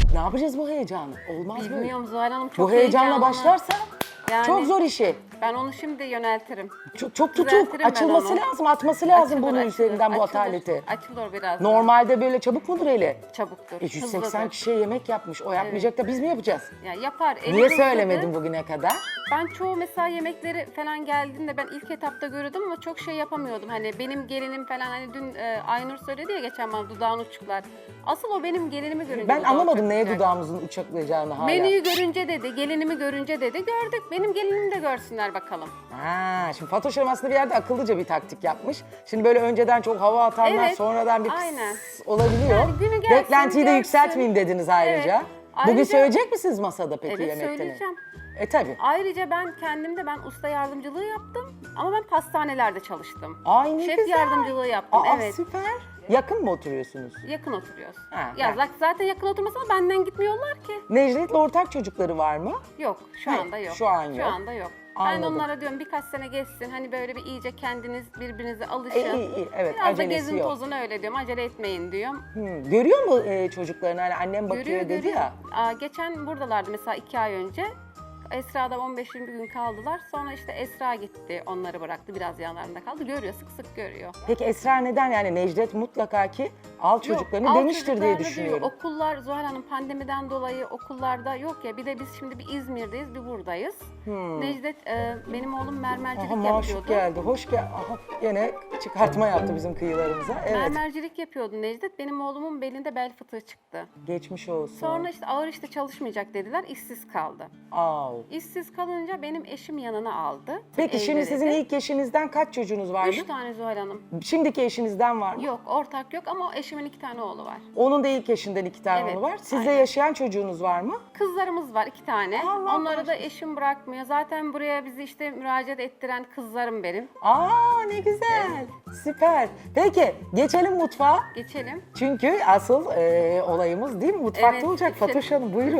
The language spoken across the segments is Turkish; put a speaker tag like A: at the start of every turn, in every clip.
A: Ne yapacağız bu heyecanı? Olmaz böyle.
B: Bilmiyorum Zuhal Hanım, çok
A: Bu heyecanla
B: heyecanlı.
A: başlarsa
B: Yani
A: çok zor işi.
B: Ben onu şimdi yöneltirim.
A: Çok tutuk.
B: Düzeltirim ben
A: Açılması
B: onu.
A: lazım, atması lazım bunun
B: Açılır,
A: üzerinden bu
B: açılır.
A: ataleti.
B: Açılır biraz.
A: Normalde böyle çabuk mudur eli?
B: Çabuktur.
A: 180
B: hızlıdır.
A: kişiye yemek yapmış. O yapmayacak da biz mi yapacağız?
B: Ya yapar. eli
A: Niye
B: hızlıdır.
A: söylemedin bugüne kadar?
B: Ben çoğu mesela yemekleri falan geldiğinde ben ilk etapta görüyordum ama çok şey yapamıyordum. Hani benim gelinim falan, hani dün Aynur söyledi ya geçen bana dudağın uçuklar. Asıl o benim gelinimi görünce
A: Ben
B: dudağı
A: anlamadım neye
B: uçuklayacak.
A: dudağımızın uçaklayacağını hala.
B: Menüyü görünce dedi, gelinimi görünce dedi. Gördük. Benim gelinimi de görsünler bakalım.
A: Ha, şimdi Fatoş Hanım aslında bir yerde akıllıca bir taktik yapmış. Şimdi böyle önceden çok hava atanlar
B: Evet,
A: sonradan bir pıs
B: aynen.
A: olabiliyor.
B: Yani günü gelsin,
A: Beklentiyi de
B: görsün.
A: yükseltmeyeyim dediniz ayrıca.
B: Evet.
A: Bugün
B: Ayrıca-
A: söyleyecek misiniz masada peki
B: Evet,
A: yemekten?
B: söyleyeceğim.
A: Tabii.
B: Ayrıca ben usta yardımcılığı yaptım ama ben pastanelerde çalıştım.
A: Ay ne
B: Şef
A: güzel.
B: yardımcılığı yaptım,
A: Aa,
B: evet.
A: süper. Yakın mı oturuyorsunuz?
B: Yakın oturuyoruz.
A: Ha,
B: Ya
A: bak.
B: zaten yakın oturmasa da benden gitmiyorlar ki.
A: Necdet'le ortak çocukları var mı?
B: Yok, şu
A: Hayır,
B: anda yok.
A: şu an yok.
B: Şu anda yok.
A: Anladım.
B: Ben onlara diyorum birkaç sene geçsin, hani böyle bir iyice kendiniz birbirinize alışın.
A: İyi, evet,
B: Biraz da
A: acelesi
B: gezin
A: yok.
B: tozun öyle diyorum, acele etmeyin diyorum.
A: Görüyor mu çocuklarını? Hani annem bakıyor
B: Görüyor,
A: dedi
B: görüyor.
A: ya.
B: Geçen buradalardı mesela 2 ay önce. Esra'da 15-20 gün kaldılar. Sonra işte Esra gitti, onları bıraktı. Biraz yanlarında kaldı. Görüyor, sık sık görüyor.
A: Peki Esra neden? Yani Necdet mutlaka ki al çocuklarını
B: Yok, al
A: demiştir diye
B: çocuklarını
A: düşünüyorum.
B: diyor. Okullar Zuhal Hanım pandemiden dolayı okullarda yok ya. Bir de biz şimdi bir İzmir'deyiz, bir buradayız. Necdet, benim oğlum mermercilik
A: Aha
B: yapıyordu.
A: maşuk geldi. Hoş gel. Aha gene çıkartma yaptı bizim kıyılarımıza. Evet.
B: Mermercilik yapıyordu Necdet. Benim oğlumun belinde bel fıtığı çıktı.
A: Geçmiş olsun.
B: Sonra işte ağır işte çalışmayacak dediler, işsiz kaldı.
A: Au.
B: İşsiz kalınca benim eşim yanına aldı.
A: Peki şimdi
B: Evde
A: sizin
B: dedi.
A: ilk eşinizden kaç çocuğunuz vardı?
B: 3 tane Zuhal Hanım.
A: Şimdiki eşinizden var mı?
B: Yok, ortak yok ama eşimin 2 tane oğlu var.
A: Onun da ilk eşinden 2 tane
B: Evet,
A: oğlu var. Sizde
B: aynen.
A: yaşayan çocuğunuz var mı?
B: Kızlarımız var 2 tane.
A: Allah
B: Onları da eşim bırakmıyor. Zaten buraya bizi işte müracaat ettiren kızlarım benim.
A: Aa ne güzel. Süper. Peki geçelim mutfağa.
B: Geçelim.
A: Çünkü asıl olayımız değil mi? Mutfakta
B: Evet,
A: olacak.
B: geçelim.
A: Fatoş Hanım buyurun.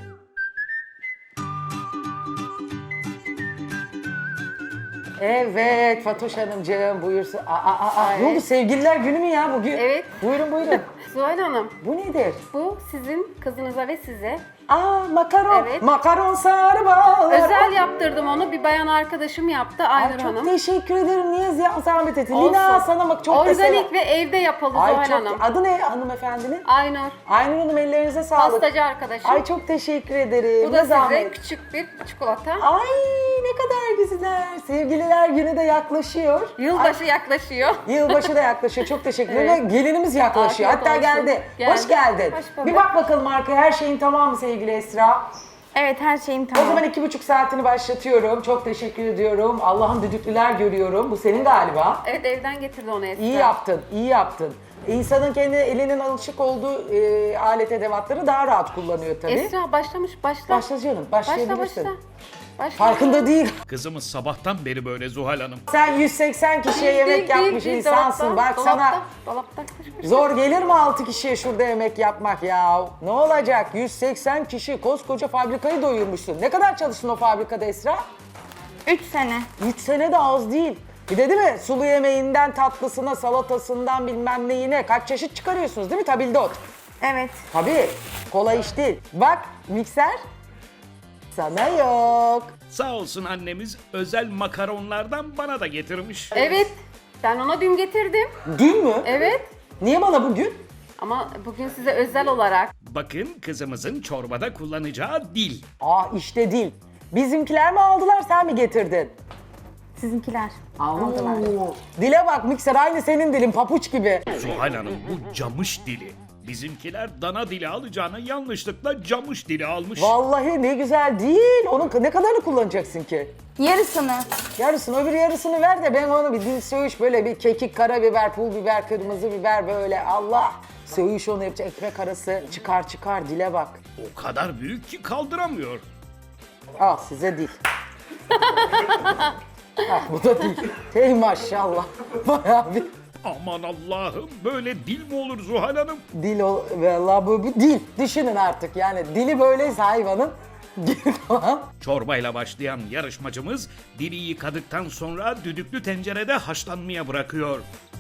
A: Evet Fatoş Hanımcığım buyursun. Ne oldu sevgililer günü mü ya bugün?
B: Evet.
A: Buyurun buyurun.
B: Zuhal Hanım,
A: Bu nedir?
B: bu sizin kızınıza ve size.
A: Makaron.
B: Evet.
A: Makaron sarı bağlar.
B: Özel yaptırdım onu. Bir bayan arkadaşım yaptı,
A: Ay,
B: Aynur
A: çok
B: Hanım.
A: teşekkür ederim. Niye zahmet ettin?
B: Olsun.
A: Lina sana bak çok da selam.
B: Organik ve evde yapıldı
A: Ay
B: Zuhal
A: çok.
B: Hanım.
A: Adı ne hanımefendinin?
B: Aynur.
A: Aynur Hanım ellerinize sağlık.
B: Pastacı arkadaşım.
A: Ay çok teşekkür ederim.
B: Bu
A: Ne
B: da size
A: zahmet.
B: küçük bir çikolata.
A: Ay ne kadar güzel. Sevgililer günü de yaklaşıyor.
B: Yılbaşı yaklaşıyor.
A: Yılbaşı da yaklaşıyor. Çok teşekkür ederim. Gelinimiz yaklaşıyor.
B: Afiyet
A: Hatta
B: olsun.
A: geldi.
B: Geldi.
A: Hoş geldin.
B: Hoş bulduk.
A: Bir bak bakalım arkaya. Her şeyin tamam mı sevgili Esra?
C: Evet, her şeyim
A: O
C: tamam.
A: zaman 2,5 saatini başlatıyorum. Çok teşekkür ediyorum. Allah'ım düdüklüler görüyorum. Bu senin galiba.
B: Evet, evden getirdi onu Esra.
A: İyi yaptın, iyi yaptın. İnsanın kendi elinin alışık olduğu alet edevatları daha rahat kullanıyor tabii.
B: Esra başlamış, başla.
A: Başla canım, başlayabilirsin.
B: Başla. Başla.
A: Farkında değil.
D: Kızımız sabahtan beri böyle Zuhal Hanım.
A: Sen 180 kişiye yemek yapmış insansın. Bak sana
B: Dolapta.
A: zor gelir mi 6 kişiye şurada yemek yapmak ya? Ne olacak? 180 kişi koskoca fabrikayı doyurmuşsun. Ne kadar çalıştın o fabrikada Esra?
C: 3 sene.
A: 3 sene de az değil. Bir de değil mi? Sulu yemeğinden tatlısına, salatasından bilmem neyine kaç çeşit çıkarıyorsunuz değil mi? Tabildot.
C: Evet.
A: Tabii. Kolay iş değil. Bak mikser sana yok.
D: Sağ olsun annemiz özel makaronlardan bana da getirmiş.
B: Evet. Ben ona dün getirdim.
A: Dün mü?
B: Evet.
A: Niye bana bugün?
B: Ama bugün size özel olarak.
D: Bakın kızımızın çorbada kullanacağı dil.
A: İşte değil. Bizimkiler mi aldılar sen mi getirdin?
C: Sizinkiler aldılar.
A: Oo. Dile bak mikser aynı senin dilin papuç gibi.
D: Zuhal Hanım bu camış dili. Bizimkiler dana dili alacağına yanlışlıkla camış dili almış.
A: Vallahi ne güzel değil. Onun ne kadarını kullanacaksın ki?
C: Yarısını.
A: Yarısını öbür yarısını ver de ben onu bir dil söğüş böyle bir kekik, karabiber, pul biber, kırmızı biber böyle Allah. Söğüş onu yapacak ekmek arası çıkar dile bak.
D: O kadar büyük ki kaldıramıyor.
A: Al size dil. Bu da dil. Hey maşallah. Bayağı bir
D: Aman Allah'ım böyle dil mi olur Zuhal Hanım?
A: dil o. Vallahi bu bir dil. Düşünün artık yani dili böyleyse hayvanın dili falan.
D: Çorbayla başlayan yarışmacımız dili yıkadıktan sonra düdüklü tencerede haşlanmaya bırakıyor.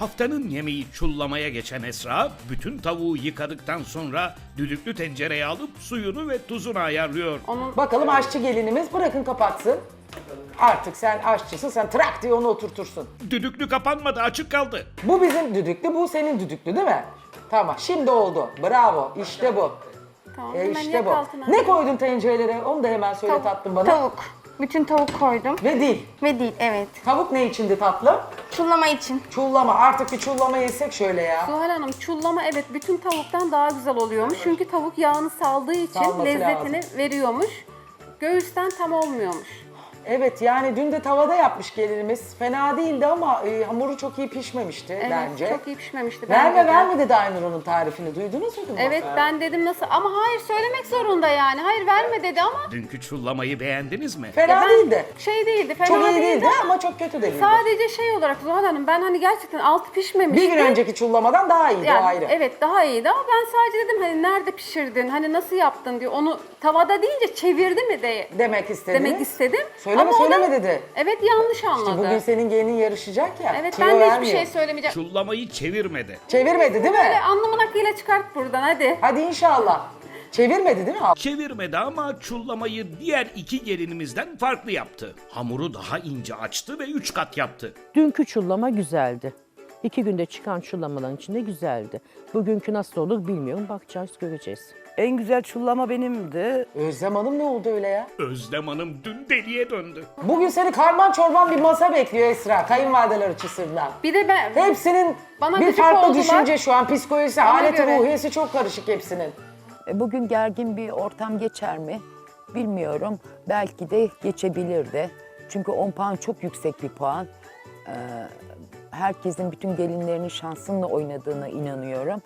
D: Haftanın yemeği çullamaya geçen Esra, bütün tavuğu yıkadıktan sonra düdüklü tencereye alıp suyunu ve tuzunu ayarlıyor.
A: Bakalım aşçı gelinimiz bırakın kapatsın. Artık sen aşçısın, sen trak diye onu oturtursun.
D: Düdüklü kapanmadı, açık kaldı.
A: Bu bizim düdüklü, bu senin düdüklü değil mi? Tamam, şimdi oldu. Bravo, işte bu.
B: Tamam, hemen
A: İşte
B: yak
A: bu.
B: altına.
A: Ne koydun tencerelere? Onu da hemen söyle tatlım bana.
C: Tavuk. Bütün tavuk koydum.
A: Ve dil.
C: Ve değil, evet.
A: Tavuk ne içindi tatlım?
C: Çullama için.
A: Çullama. Artık bir çullama yesek şöyle ya.
B: Zuhal Hanım çullama evet bütün tavuktan daha güzel oluyormuş. Çünkü tavuk yağını saldığı için
A: Salması
B: lezzetini
A: lazım.
B: veriyormuş. Göğüsten tam olmuyormuş.
A: Evet yani dün de tavada yapmış gelinimiz. Fena değildi ama hamuru çok iyi pişmemişti
B: Evet
A: bence.
B: çok iyi pişmemişti.
A: Verme
B: bence de.
A: verme dedi Aynur onun tarifini. Duydunuz mu?
B: Evet ben dedim nasıl ama hayır söylemek zorunda yani. Hayır verme dedi ama.
D: Dünkü çullamayı beğendiniz mi?
A: Fena
B: Ben-
A: değildi.
B: Şey değildi fena
A: Çok iyi
B: değildi
A: değildi ama çok kötü de değildi.
B: sadece şey olarak Zuhal Hanım ben hani gerçekten altı pişmemişti.
A: Bir gün önceki çullamadan daha iyiydi o
B: Yani,
A: ayrı.
B: evet daha iyiydi ama ben sadece dedim hani nerede pişirdin, hani nasıl yaptın diye onu tavada deyince çevirdi mi de
A: Demek istediniz.
B: demek istedim.
A: Söyleme
B: Ama o da-
A: söyleme dedi.
B: Evet yanlış anladı.
A: Bugün senin gelinin yarışacak ya.
B: Evet
A: tüyo
B: ben de hiçbir
A: vermiyor.
B: şey söylemeyeceğim.
D: Çullamayı çevirmedi.
A: Çevirmedi değil
B: Böyle
A: mi?
B: anlamın hakkıyla çıkart buradan hadi.
A: Hadi inşallah. Çevirmedi değil mi?
D: Çevirmedi ama çullamayı diğer iki gelinimizden farklı yaptı. Hamuru daha ince açtı ve 3 kat yaptı.
E: Dünkü çullama güzeldi. 2 günde çıkan çullamaların içinde güzeldi. Bugünkü nasıl olur bilmiyorum. Bakacağız, göreceğiz.
F: En güzel çullama benimdi.
A: Özlem Hanım ne oldu öyle ya?
D: Özlem Hanım dün deliye döndü.
A: Bugün seni karman çorban bir masa bekliyor Esra. Kayınvalideler açısından.
B: Bir de ben
A: Hepsinin
B: Bana
A: bir
B: gıcık
A: farklı
B: oldular.
A: düşünce şu an. Psikolojisi, haleti,
B: göre.
A: ruhiyesi çok karışık hepsinin.
G: Bugün gergin bir ortam geçer mi? Bilmiyorum. Belki de geçebilirdi. Çünkü 10 puan çok yüksek bir puan. Herkesin bütün gelinlerinin şansınla oynadığına inanıyorum.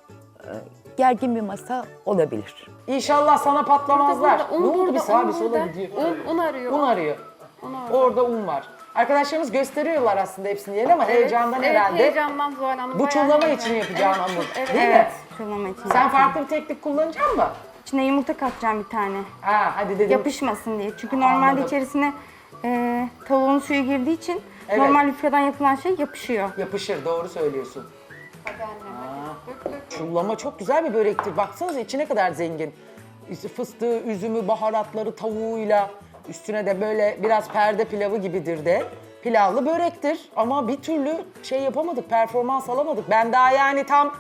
G: Gergin bir masa olabilir.
A: İnşallah sana patlamazlar.
B: Burada, un
A: Ne oldu
B: burada,
A: bir sağa
B: un
A: bir sola
B: burada.
A: gidiyor.
B: Un arıyor.
A: Un arıyor.
B: Un arıyor.
A: Orada un var. Arkadaşlarımız gösteriyorlar aslında hepsini yeni ama heyecandan
B: evet,
A: herhalde.
B: heyecandan Zuhal Hanım.
A: Bu
B: bayağı
A: çullama
B: heyecan.
A: için yapacağın
B: Evet,
A: hamur.
B: Evet.
A: Değil mi?
C: Evet, çullama için.
A: Sen farklı bir teknik kullanacak mısın?
C: İçine yumurta katacağım bir tane.
A: Ha hadi dedim.
C: Yapışmasın diye. Çünkü normalde
A: Anladım.
C: içerisine tavuğun suyu girdiği için
A: Evet.
C: normal yufkadan yapılan şey yapışıyor.
A: Yapışır doğru söylüyorsun.
B: Hadi annem hadi. Dök, dök.
A: Çullama çok güzel bir börektir. Baksanıza içine kadar zengin. Fıstığı, üzümü, baharatları, tavuğuyla üstüne de böyle biraz perde pilavı gibidir de. Pilavlı börektir ama bir türlü şey yapamadık, performans alamadık. Ben daha yani tam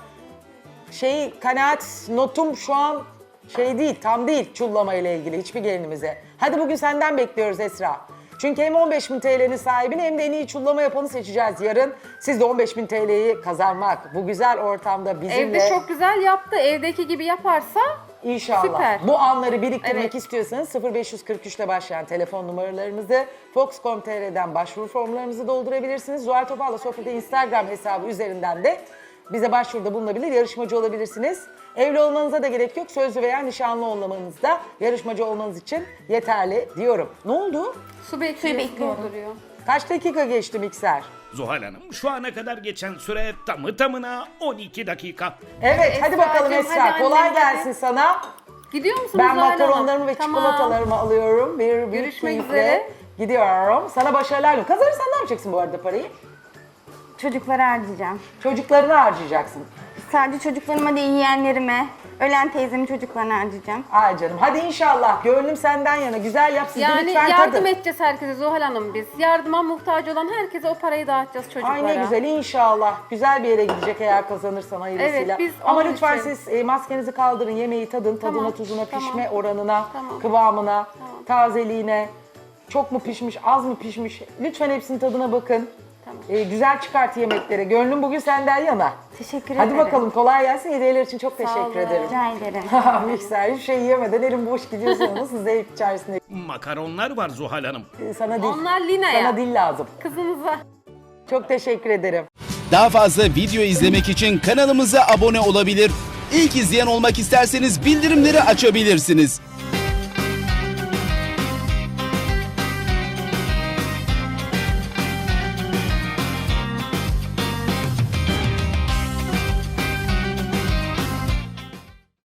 A: kanaat notum şu an değil, tam değil çullama ile ilgili hiçbir gelinimize. Hadi bugün senden bekliyoruz Esra. Çünkü hem 15.000 TL'nin sahibini hem de en iyi çullama yapanı seçeceğiz yarın. Siz de 15.000 TL'yi kazanmak bu güzel ortamda bizimle...
B: Evde çok güzel yaptı. Evdeki gibi yaparsa
A: İnşallah.
B: Süper.
A: Bu anları biriktirmek
B: Evet.
A: istiyorsanız 0543 ile başlayan telefon numaralarımızı Fox.com.tr'den başvuru formlarımızı doldurabilirsiniz. Zuhal Topal'la Sofra'da Instagram hesabı üzerinden de bize başvuruda bulunabilir, yarışmacı olabilirsiniz. Evli olmanıza da gerek yok. Sözlü veya nişanlı olmanız da yarışmacı olmanız için yeterli diyorum. Ne oldu?
B: su bekliyor.
C: bekliyorum.
B: Dolduruyor.
A: Kaç dakika geçti mikser?
D: Zuhal Hanım şu ana kadar geçen süre tamı tamına 12 dakika.
A: Evet, hadi bakalım
B: Esracığım,
A: Esra.
B: hadi
A: Kolay
B: annem,
A: gelsin sana.
B: Gidiyor musunuz
A: Ben
B: Zuhal Hanım?
A: makaronlarımı ve
B: Tamam.
A: çikolatalarımı alıyorum. Bir
B: Görüşmek
A: keyifle
B: üzere.
A: gidiyorum. Sana başarılar diliyorum. Kazanırsan ne yapacaksın bu arada parayı?
C: Çocuklara harcayacağım.
A: Çocuklarına harcayacaksın.
C: Sadece çocuklarıma değil yeğenlerime, ölen teyzemin çocuklarına harcayacağım.
A: Ay canım hadi inşallah. Gönlüm senden yana. Güzel yap siz de
B: Yani
A: lütfen
B: yardım
A: tadın.
B: edeceğiz herkese Zuhal Hanım biz. Yardıma muhtaç olan herkese o parayı dağıtacağız çocuklara.
A: Ay ne güzel inşallah. Güzel bir yere gidecek eğer kazanırsan hayırlısıyla.
B: Evet, biz
A: Ama
B: onun
A: lütfen
B: için-
A: siz maskenizi kaldırın. Yemeği tadın. Tadına,
B: Tamam,
A: tuzuna,
B: tamam.
A: pişme oranına,
B: Tamam.
A: kıvamına, tazeliğine. Çok mu pişmiş, az mı pişmiş? Lütfen hepsinin tadına bakın.
B: Tamam.
A: Güzel çıkart yemekleri. Gönlüm bugün senden yana.
C: Teşekkür
A: Hadi
C: ederim.
A: bakalım kolay gelsin. Hediyeler için çok
B: olun.
A: teşekkür ederim.
C: Rica ederim.
A: Mikser hiçbir şey yemeden elim boş gidiyorsun. Nasıl zevk içerisinde.
D: Makaronlar var Zuhal Hanım.
A: Sana dil.
B: Onlar Lina'ya.
A: Sana dil lazım.
B: Kızınıza.
A: Çok teşekkür ederim.
H: Daha fazla video izlemek için kanalımıza abone olabilir. İlk izleyen olmak isterseniz bildirimleri açabilirsiniz.